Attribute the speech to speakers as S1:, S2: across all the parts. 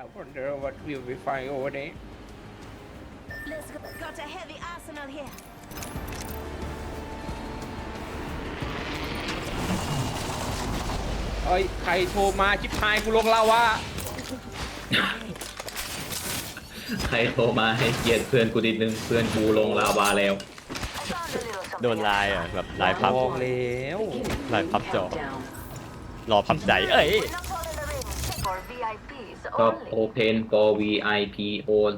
S1: wonder what will we find over there
S2: Let's go. Got a heavy arsenal here.
S1: เอ้ยใครโทรมาชิบหายกูลงลาวะ
S3: ใครโทรมาให้เกียรติเพื่อนกูนิดนึงเพื่อนกูลงลาวาแล้ว
S4: โดนลายอ่ะแบบลายพับ
S1: บอกแล้ว
S4: ลายพับจอรอพับใจเอ้ย
S3: ก็ open for VIP on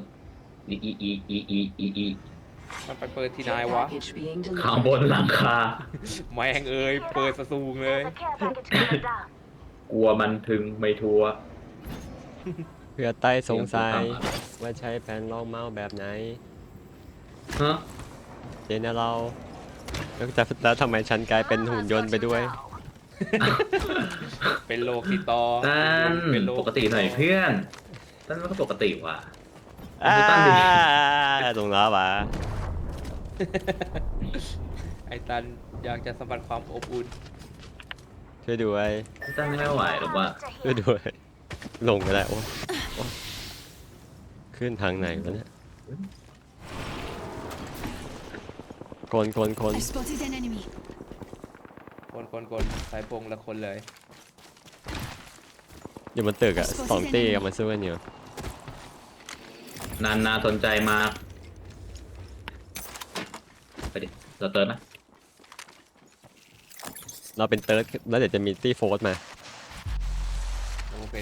S3: e
S1: มันไปเปิดที่ไหนวะ
S3: ข้างบนหลังคา
S1: แม่งเอ้ยเปิดสะสูงเลย
S3: กลัวมันถึงไม่ทัว
S4: เพื่อใต้สงสัยว่าใช้แผ่นรองเมาส์แบบไหน
S3: ฮะ
S4: เจนเราแล้วทำไมฉันกลายเป็นหุ่นยนต์ไปด้วย
S1: เป็นโลกติดต่อ
S3: ตั้น
S1: เป็นโล
S3: ปกติหน่อยเพื่อนตั้นมันก็ปกติว่ะ
S4: อ่า
S3: ตั้นดิ
S4: ตรงแล้ววะ
S1: ไอ้ตันอยากจะสัมผัสความอบอุ่น
S4: ช่วยด้วย
S3: ตั้นไม่ไหวหรอกว่า
S4: ช่วยด้วยลงไปแล้วโอ้ขึ้นทางไหนวะเนี่ยคน
S2: I spotted an enemy.
S1: คนสายพงละคนเลย
S4: อยู่บนตึกอ่ะสองตีกับมันสู้กันอยู่
S3: นาสนใจมากไปดิเราเติร์นนะ
S4: เราเป็นเติร์ดแล้วเดี๋ยวจะมีตีโฟร์สมา
S1: โอเค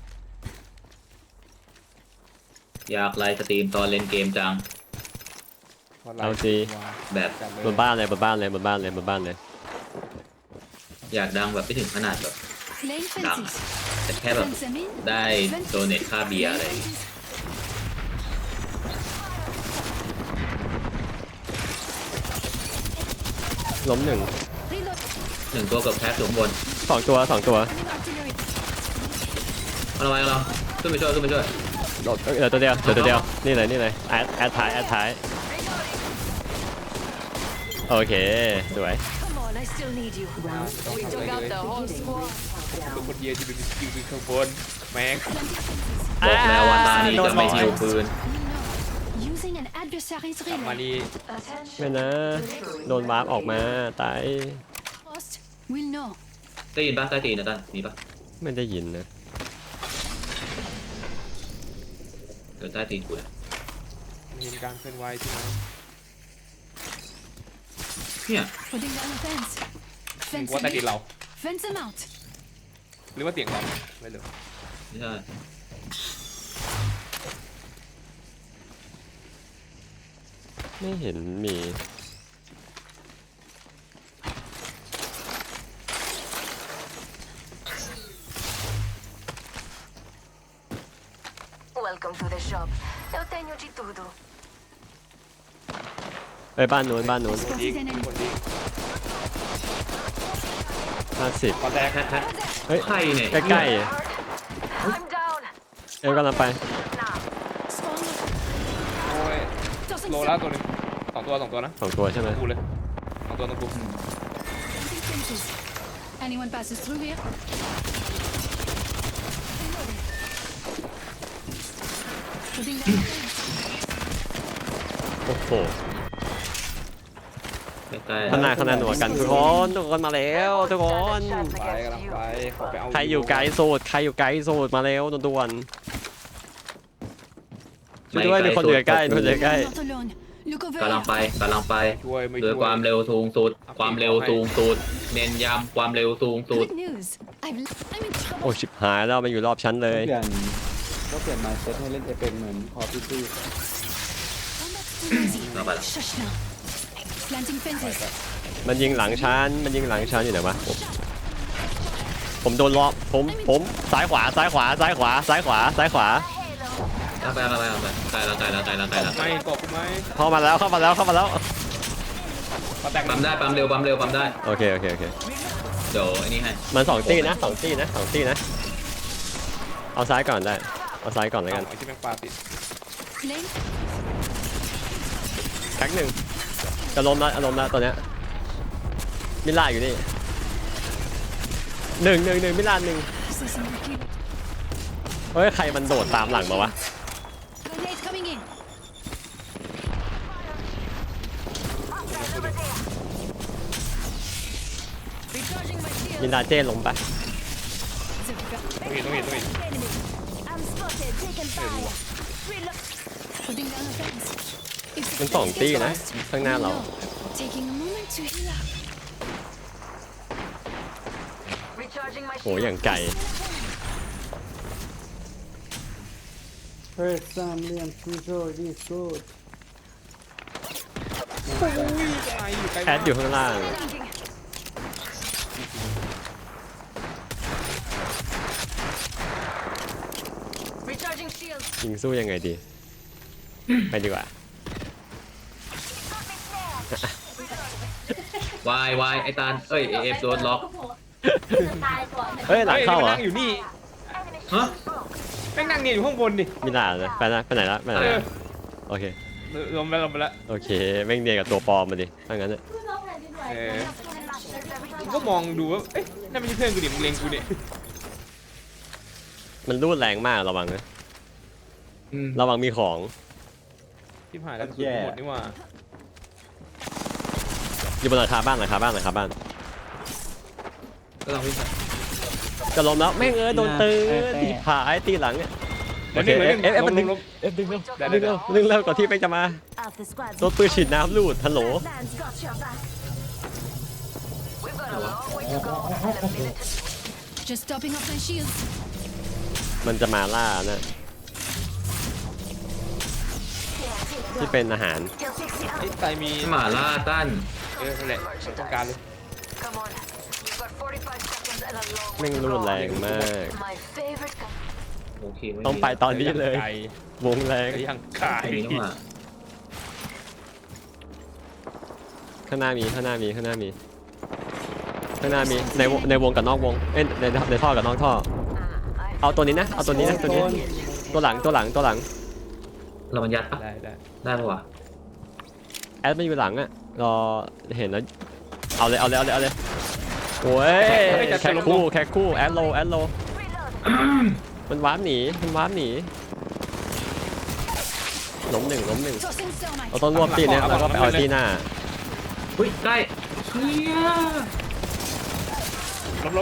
S3: อยากไลฟ์สตรีมตอนเล่นเกมจัง
S4: เอาสิ
S3: แบบ
S4: บนบ้านเลย
S3: อยากดังแบบไม่ถึงขนาดแบบ
S2: Laying
S3: Done.
S2: fences.
S3: แต่แค่แบบ
S2: Fence them in.
S3: ได้โดเนทค่าเบียร์อะไรอย่างงี้
S4: ล้มหนึ่ง
S2: Reload.
S3: หนึ่งตัวกับแพ็คอยู่ข้างบน
S4: สองตัว
S2: New artillery.
S3: เอาละไว้เราขึ้นไปช่วยขึ้นไปช่วย
S4: เหลือตัวเดียวนี่เลยแอดท้ายโอเคสวย
S2: Come on, I still need you.
S1: ต้องทำอะไรเลย
S2: whole squad.
S1: ทุกคนเดียวที่เป็นสกิลเป็นข้างบนแม่ง
S3: บอกแล้วว่าตานี้
S4: โดน
S3: จะไม่
S4: บอก
S3: หิวปืน
S2: Using an adversary's
S1: กลับมา
S2: relay.
S1: นี่
S4: ไม่นะโดนวาร์ปออกมาตาย
S2: Lost. We'll know.
S3: ได้ยินปะใต้ตีนนะตั้นมีปะ
S4: ไม่ได้ยินนะ
S3: เดี๋ยวใต้ตีนกูเลย
S1: มีการเคลื่อนไหวที่ไหน
S3: เนี่ย
S2: Putting down a fence.
S1: มึง
S2: Fence
S1: ว่า
S2: them
S1: ใต้ดิน
S2: in.
S1: เรา
S2: Fence them out.
S1: หรือว่าเสียงเราไม่รู้
S3: ไม่ใช่
S4: ไม่เห็นมี
S5: Welcome to the shop. Eu tenho de tudo.
S4: ไปบ้านนู้น
S1: คนดีคนดี
S4: 50
S1: ขอแตก
S4: เฮ้ย
S3: ใครเนี่ย
S4: ใกล้ๆ
S5: I'm down.
S4: เอ็มกำลังไป
S2: Spawn.
S1: โอ้ย
S2: Tossing
S1: โล
S2: some.
S1: ละตัวหนึงสองตัวนะ
S4: 2 ตัวใช่ไหม
S1: กูเลยสองตัวต้องกู
S2: Planting fences. Anyone passes through here? Putting down a fence.
S4: โอ้โห
S3: ใกล้
S4: ข้างหน้าหนัวกันทุกคนมาแล้วทุกคน
S1: ไปกำลังไปขอไปเอา
S4: ใครอยู่ไกลสุดมาแล้วด่วนๆช่วยด้วยมีคนอยู่ใกล้
S2: You're not alone. Look over
S3: กำลัง
S2: here.
S3: ไป
S1: ช่วยไม่
S3: โด
S1: ช่
S3: ยความเร็วสูงสุด ความเร็วสูงสุด เน้นย้ำความเร็วสูงสุด
S2: Good news. I'm in trouble.
S4: โอ้ชิบหายแล้วมันอยู่รอบชั้นเลย
S6: เปลี่ยนมาเซตให้เล่นเอเปนเหมือนคอร์พิตี้
S2: Combat's too easy.
S3: Nobody.
S2: Shush now. Planting fences.
S4: มันยิงหลังชั้นอยู่ไหนวะผมโดนล้อผมซ้ายขวา
S3: ไปไกลแล้วไกลแล้ว
S1: ไม่กบไหม
S4: เข้ามาแล้ว
S1: ขอแตก
S3: ปั๊มได้ปั๊มเร็วปั๊มได้
S4: โอเค
S3: เดี๋ยวไอ้นี่ให้
S4: มัน2 ตีนะเอาซ้ายก่อนได้เอาซ้ายก่อนแล้วกัน
S1: ไอ้ที่แม่งปลาติด
S2: Lane.
S4: แท็กหนึ่งจะล้มแล้วตัวเนี้ยมิลล่าอยู่นี่หนึ่งมิลล่า1
S2: Assessing the key.
S4: เฮ้ยใครมันโดดตามหลังมาวะ
S2: Grenade coming in. Recharging my shield.
S4: ยินดาเจ้ล้มปะ
S1: ต้องเห็น
S5: Enemy. I'm spotted. Taking fire. Reload.
S2: Putting down a fence. If the
S4: มันสอง
S2: fence
S4: ตี้
S2: gets
S4: นะ
S2: lost,
S4: ข้างหน้าเรา
S2: we know. Taking a moment to heal up.
S5: Recharging my
S4: โหอย่างไกล
S6: เฮ้ยสามเหลี่ยมซูโซ่ดีสุด
S4: แอดอยู่ข้างล่าง
S5: Recharging shield.
S4: ยิงสู้ยังไงดี ไปดีกว่า
S3: วายวายไอ้ตาลเอ้ยเอฟโดนล็อก
S4: เฮ้ยหลังเข้าเหรอ
S1: นั่งอยู่นี่
S3: ฮะ
S1: แม่งนั่งเนี่ยอยู่ข้างบนดิ
S4: มีหลานนะไปนะไปไหนละไปไหน
S1: เออ
S4: ละโอเค
S1: ลงไปแล้ว
S4: โอเคแม่งเนียนกับตัวปลอมมาดิถ้างั้นน่ะ
S1: เออกูก็มองดูว่าเอ๊ะนั่นไม่ใช่เพื่อนกูดิมึงเล็งกูดิ
S4: มันรูดแรงมากระวังนะ
S3: อืม
S4: ระวังมีของ
S1: ที่ผ่านแล้วสุดหมดนี่หว่า
S4: อยู่บนหลังคาบ้านหลังคาบ้านหลังคาบ้าน
S3: ก็ต้องวิ่งไป
S4: จะล้มแล้วแม่งโดนตื้อตีผายตีหลังเนี่ยโอเคเอฟมันดึงเอฟดึงเร็วดึงเร็วดึงเร็วก่อนที่แม่งจะมา
S5: Alpha squad.
S4: โดนปืนฉีดน้ำลูดฮัลโหล
S5: Man's got your back. We've got a long way to go and a minute to
S2: Just topping up my shields.
S4: มันจะมาล่านะที่เป็นอาหาร
S5: Till 60
S1: ไอ้
S5: out.
S1: ไตมี
S3: หมาล่าตั้น
S1: นั่นแหละต้องการเลย
S5: Come on. We've got 45 seconds and a long
S4: แม่
S5: way
S4: ง
S5: to
S4: รูด
S5: go.
S4: แรงมาก
S5: My favorite gun.
S3: โอเคไม่มี
S4: ต้องไปตอนนี้เลย
S1: ไก่
S4: วงแรง
S1: ไก่ย่างไก่
S3: ไม่มีนี่หว่า
S4: ข้างหน้ามีข้างหน้ามีข้างหน้ามีข้างหน้ามีในวงกับนอกวงเอ้ยในท่อกับนอกท่อ
S5: I
S4: เอาตัวนี้นะเอาตัวนี้นะตัวนี้ตัวหลังตัวหลังตัวหลัง
S3: เรามันยัดปะ
S1: ได้
S3: ได้ปะวะ
S4: แอดมันอยู่หลังอะรอเห็นแล้วเอาเลยเอาเลยเอาเลยเอาเลยโอ้ยแค่คู่แอดโลมันวาร์ปหนีมันวาร์ปหนีล้มหนึ่ง
S2: Tossing thermite.
S4: เราต้องรวบตีเนี่ยแล้วก็ไปเอาตีหน้า
S3: อุ้ยใกล้เฮีย
S1: ลบ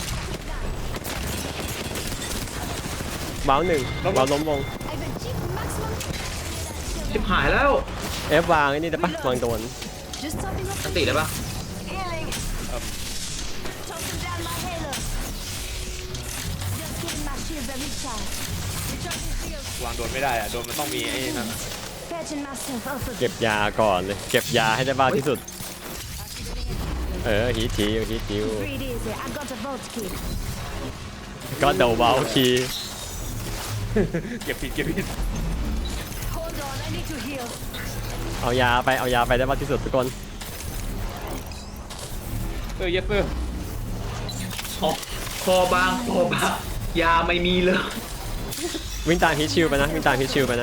S4: เบ้าหนึ่งเบ้าล้มวง
S2: I've achieved maximum.
S3: ชิบหายแล้ว
S4: เอฟวางไอ้นี่ได้ปะวางโดน
S2: Just topping up
S3: อัน
S2: my
S3: ติได้ปะ
S5: healing. Tossing down my halo. Just giving my shield a recharge.
S2: recharging shields.
S1: วางโดนไม่ได้อะโดนมันต้องมีไอ้นั่นอะ
S5: Patching myself up a
S4: เก็บยาก่อนเลยเก็บยาให้ได้มากที่สุดฮีทจิว
S5: Breathe easy. I got a vault key.
S4: ก็เดาเบาคี
S1: เก็บผิด
S5: Hold on. I need to heal.
S4: เอายาไปได้มากที่สุดทุกคน
S1: เยสเซอร์
S3: คอบางยาไม่มีเลย
S4: วิ่งตามฮีทชิลไปนะ
S2: Deploying heat shield.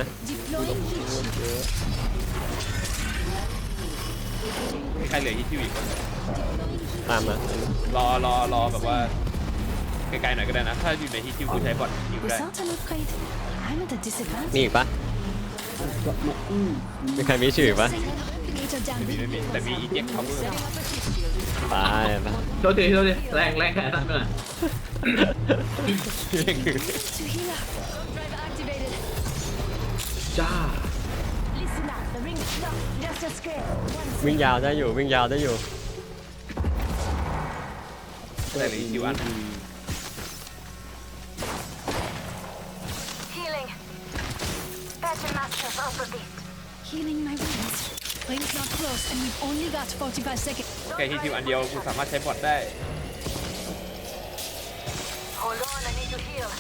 S1: มีใครเหลือที่ชิวอีก
S4: ตามมาร
S1: อแบบว่าไกลๆหน่อยก็ได้นะ ถ้าอยู่ในที่ชิวกูใช้บอทยิงได้
S2: Without an upgrade, I'm at a
S4: มี
S2: disadvantage.
S4: อีกปะมีใครมีชื่ออีกปะ
S2: Replicator down
S1: ไม่มีแต่มีอีเจ็คเขาเพิ่ม
S2: Setting up a heat shield.
S4: ไปไป
S3: โทษทีแรงแค่นั้นน่ะ
S2: To heal up. Drive activated.
S3: จ้า
S5: Listen up. The ring is stuck. Just a scrape. One
S4: วิ่งยาวได้อยู่
S1: แต่เหลือที่ชิวอัน
S5: healing. Patching myself up a bit.
S2: Healing my wounds. Ring's not close, and we've only got 45 seconds.
S1: แค่ที่ชิวอันเดียวกูสามารถใช้บอทได้
S5: Hold on. I need to heal.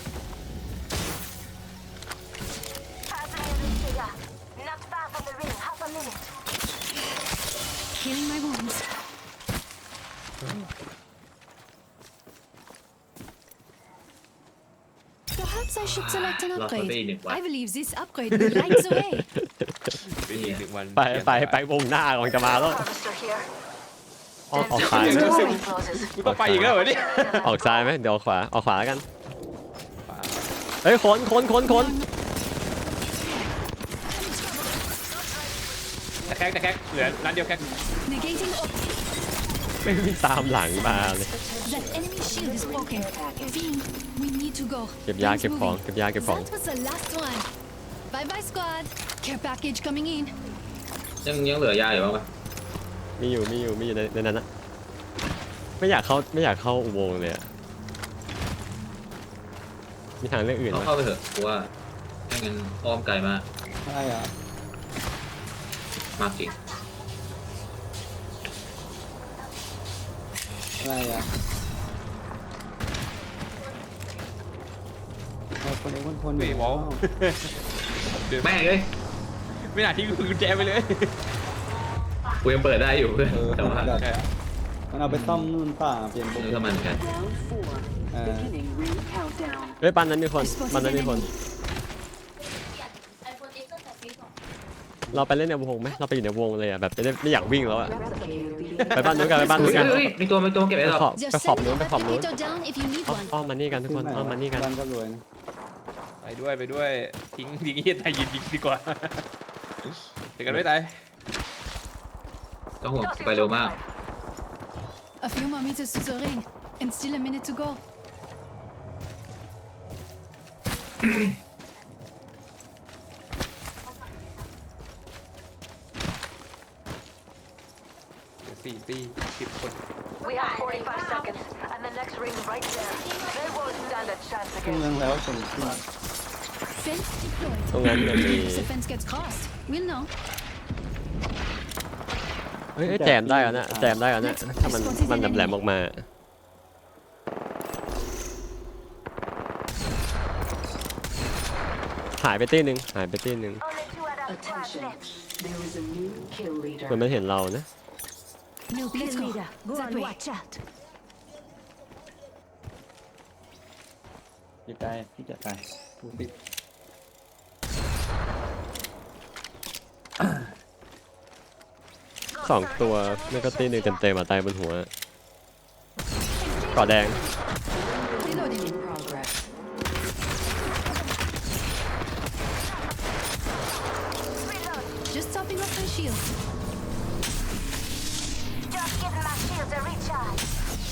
S5: Passing in the trigger. Not far from the ring. Half a minute.
S2: Healing my wounds. Perhaps I should select an
S3: รอเขาไปอีก
S2: upgrade.
S3: 1 วัน
S2: I believe this upgrade will light the way.
S1: เป็นอีก1 วัน
S4: ไปวงหน้าก่อนจะมาแล้ว
S5: Harvester here.
S4: ออกซ้าย
S1: เดี๋ยว
S5: Closes.
S1: กูต้องไปอีกแล้วเหรอเนี่ย
S4: ออกซ้ายไหมเดี๋ยวออกขวาแล้วกันเฮ้ยคน
S1: แต่แคกเหลือร้านเดียวแคก
S2: Negating.
S4: ไม่มีตามหลังมาเลย
S2: That enemy shield is broken. Fiend, we need to go.
S4: เก็บยา
S2: Things
S4: เก็บของ
S2: moving.
S4: เก็บยาเก็บของ
S2: That was the last one. Bye bye, squad. Care package coming in.
S3: ยังเหลือยาอยู่บ้างปะ
S4: มีอยู่ในนั้นนะไม่อยากเข้าอุโมงค์เลยอะมีทางเลือกอื่นไหม
S3: เข้าไปเถอะกูว่าไม่งั้นอ้อมไกลมาก
S6: อะไรอ่ะ
S3: มากจริง
S6: อะไรอ่ะเอาคนเอกคน
S1: เฮ้ยวอล
S3: แม่งเลย
S1: ไม่น่าทิ้งกุญแจไปเลย
S3: กูยังเปิดได้อยู่เพื่อนแต่ว่า
S1: ใช่
S6: มันเอาไปซ่อมนู่นป่าเปลี่ยนโปร
S3: นึก
S6: แกร
S3: ว่าม มันกัน
S7: Round 4. Beginning ring countdown.
S4: เฮ้ยปันนั้นมีคนเราไปเล่นในวงไหมเราไปอยู่ในวงเลยอะแบบไม่อยากวิ่งแล้วอะ
S7: Replicator being
S4: ไปบ้านนู้นกันไปบ้านนู้นกัน
S3: เฮ้ยมีตัวเก็บไว้หรอ
S2: Just
S4: ไปขอบ
S2: send
S4: นู้
S2: the
S4: นไปขอบนู้น
S2: replicator down if you need one.
S4: อ้อมมานี่กันทุกคนอ้อมมานี่กัน
S6: บ้านก็รวยนะ
S1: ไปด้วยทิ้งเฮียตายยิงดีกว่าเดี๋ยวกันไม่ตาย
S3: ต้องห่วงไปเร็วมาก
S2: A few more meters to the ring, and still a minute to go.
S1: 4 ตี 10 คน
S5: We have 45 seconds, and the next ring right there. They won't stand a chance
S6: ขึ้น
S5: against
S6: เมืองแล้วส่งขึ้น
S2: Fence deployed.
S4: ตรงนั้นจะมี
S2: If the fence gets crossed, we'll know.
S4: เฮ้ยแจมได้แล้วนะแจมได้แล้วนะถ้ามันแหลมออกมาหายไปตีหนึ่ง
S5: Only 2 out of 5
S7: attention.
S5: left.
S7: There is a new kill
S4: เหมือน
S7: leader.
S4: มันเห็นเรานะ
S2: New kill leader.
S5: Go
S2: That
S5: on,
S2: way.
S5: watch out.
S6: พี่ใจพี่จะตายดูสิ
S4: 2 ตัวไม่ก็ตีหนึ่งเต็มๆมาตายบนหัวเกาะแดง
S2: Reloading.
S7: In progress.
S2: Just topping off my shield.
S5: Just giving my shields a recharge.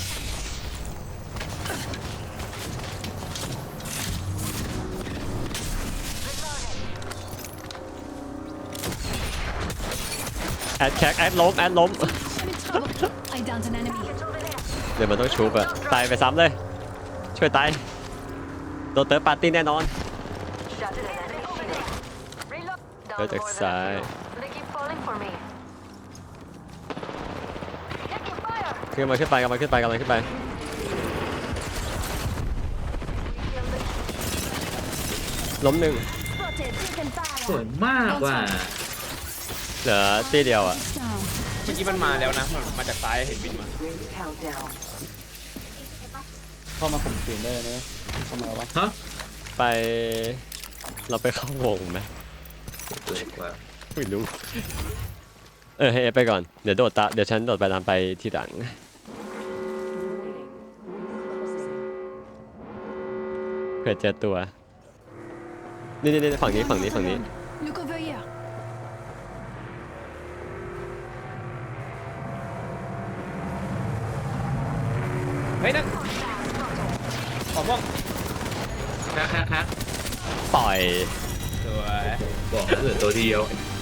S5: Reloading.
S4: แอดแคกแอดล้ม
S2: I'm in trouble. I downed an enemy.
S5: It's over there.
S4: เดี๋ยวมันต้องชุบอะตายไปซ้ำเลย ช่วยตายโดนเติร์ดปาร์ตี้แน่นอน
S5: Shot at an enemy shield. Reload. Down
S4: That's
S5: more than a
S4: exciting.
S5: few. They keep falling for me. Taking fire.
S4: กำลังขึ้นไป ล้มหนึ่ง
S5: Spotted. Taking
S3: สว
S5: fire.
S3: ยมากว่ะ
S4: เหลือตีเดียวอะ
S2: Down.
S1: เมื่อกี้มันมาแล้วนะมันมาจากซ้ายเห็นบินมา
S7: Ring countdown.
S6: เข้ามาข่มขืนได้เลยนะทำไมวะ
S3: ฮะ
S4: ไปเราไปเข้าวงไหม
S3: สวยกว่า
S4: ไม่รู้ให้เอฟไปก่อนเดี๋ยวฉันโดดไปตามไปทีหลังเผื่อเจอตัวนี่ฝั่งนี้
S2: Look over here.
S1: เฮ้ยนั่นขอม่วง
S3: แคก
S4: ปล่อย
S1: สวย
S3: บอกเหลือตัวเดียว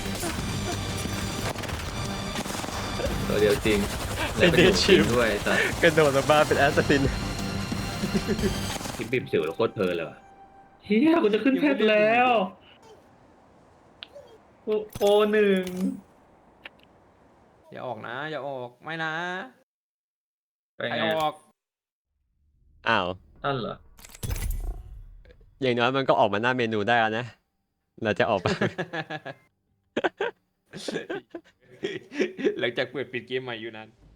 S3: จริงแล้วเป็นจริงด้วยแต่
S4: กระโดดลงมาเป็นแอสซัสซิน
S3: ทิปบิบสิวแล้วโคตรเพลินเลยว่ะเฮียกูจะขึ้นแพทแล้วโอ1
S1: อย่าออกนะ อย่าออกไม่นะ
S3: ไป
S1: ใคร
S3: ไง
S1: ออก
S4: อ้าว
S3: นั่นเหรอ
S4: อย่างน้อยมันก็ออกมาหน้าเมนูได้แล้วนะเราจะออกไป
S1: หลังจากเปิดปิดเกมใหม่อยู่นั้น